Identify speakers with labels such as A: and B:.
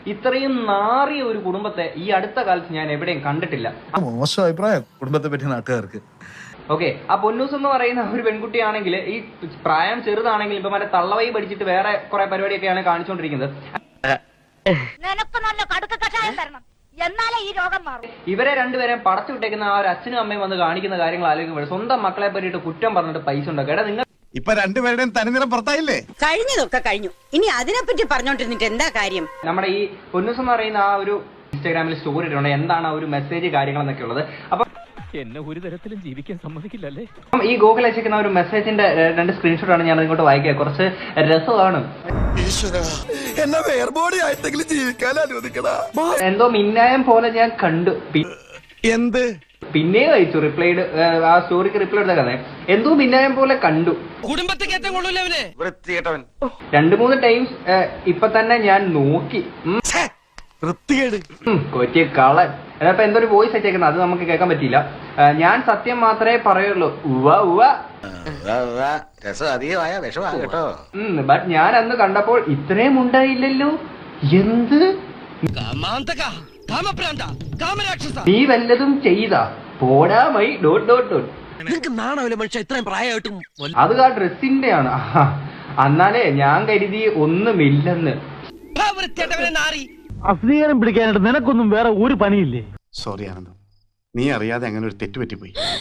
A: ഇത്രയും നാറിയ ഒരു കുടുംബത്തെ ഈ അടുത്ത കാലത്ത് ഞാൻ എവിടെയും കണ്ടിട്ടില്ല.
B: മോശം അഭിപ്രായം കുടുംബത്തെ പറ്റി നാട്ടുകാർക്ക്.
A: ഓക്കെ, ആ പൊന്നൂസ് എന്ന് പറയുന്ന ഒരു പെൺകുട്ടിയാണെങ്കിൽ ഈ പ്രായം ചെറുതാണെങ്കിൽ ഇപ്പൊ മറ്റേ തള്ളവൈ പഠിച്ചിട്ട് വേറെ കുറെ പരിപാടിയൊക്കെയാണ് കാണിച്ചുകൊണ്ടിരിക്കുന്നത്. ഇവരെ രണ്ടുപേരെയും പടച്ചു വിട്ടേക്കുന്ന ആ ഒരു അച്ഛനും അമ്മയും വന്ന് കാണിക്കുന്ന കാര്യങ്ങൾ ആലോചിക്കുമ്പോൾ സ്വന്തം മക്കളെ പറ്റിയിട്ട് കുറ്റം പറഞ്ഞിട്ട് പൈസ ഉണ്ടാക്കുക. എടാ നിങ്ങൾ
C: ഇപ്പൊ രണ്ടുപേരുടെയും തനിനിറം പുറത്തായില്ലേ?
D: കഴിഞ്ഞതൊക്കെ കഴിഞ്ഞു, ഇനി അതിനെപ്പറ്റി പറഞ്ഞോണ്ടിരുന്നിട്ട് എന്താ കാര്യം?
A: നമ്മുടെ ഈ പൊന്നൂസ് എന്ന് പറയുന്ന ആ ഒരു ഇൻസ്റ്റാഗ്രാമിൽ സ്റ്റോറി ഇട്ടുണ്ട്, എന്താണ് ആ ഒരു മെസ്സേജ് കാര്യങ്ങൾ എന്നൊക്കെ ഉള്ളത്. അപ്പൊ
E: എന്നെ ഒരു തരത്തിലും ജീവിക്കാൻ സമ്മതിക്കില്ലല്ലേ.
A: ഈ ഗൂഗിൾ അയച്ചിരിക്കുന്ന ഒരു മെസ്സേജിന്റെ 2 സ്ക്രീൻഷോട്ടാണ് ഞാൻ ഇങ്ങോട്ട് വായിക്കുക. കുറച്ച് രസമാണ്. എന്തോ മിന്നായം പോലെ ഞാൻ കണ്ടു.
C: എന്ത്
A: പിന്നെ അയച്ചു റിപ്ലൈഡ്, ആ സ്റ്റോറിക്ക് റിപ്ലൈ എടുത്ത കഥ എന്തോ മിന്നായം പോലെ കണ്ടു. 2-3 ടൈംസ് ഇപ്പൊ തന്നെ ഞാൻ നോക്കി. കൊച്ചി കളൻ. അപ്പൊ എന്തൊരു വോയിസ് അയച്ചേക്കുന്നത് അത് നമുക്ക് കേൾക്കാൻ പറ്റിയില്ല. ഞാൻ സത്യം മാത്രമേ പറയുള്ളൂ. ബട്ട് ഞാൻ അന്ന് കണ്ടപ്പോൾ ഇത്രയും ഉണ്ടായില്ലല്ലോ. എന്ത് നീ വല്ലതും ചെയ്ത പോടാമൈ ... അത് ആ ഡ്രസ്സിന്റെ ആണ്. എന്നാലേ ഞാൻ കരുതി ഒന്നുമില്ലെന്ന്.
E: അസ്വീകാരം പിടിക്കാനായിട്ട് നിനക്കൊന്നും വേറെ ഒരു പണിയില്ലേ?
C: സോറി ആനന്ദം, നീ അറിയാതെ അങ്ങനെ ഒരു തെറ്റ് പറ്റിപ്പോയി.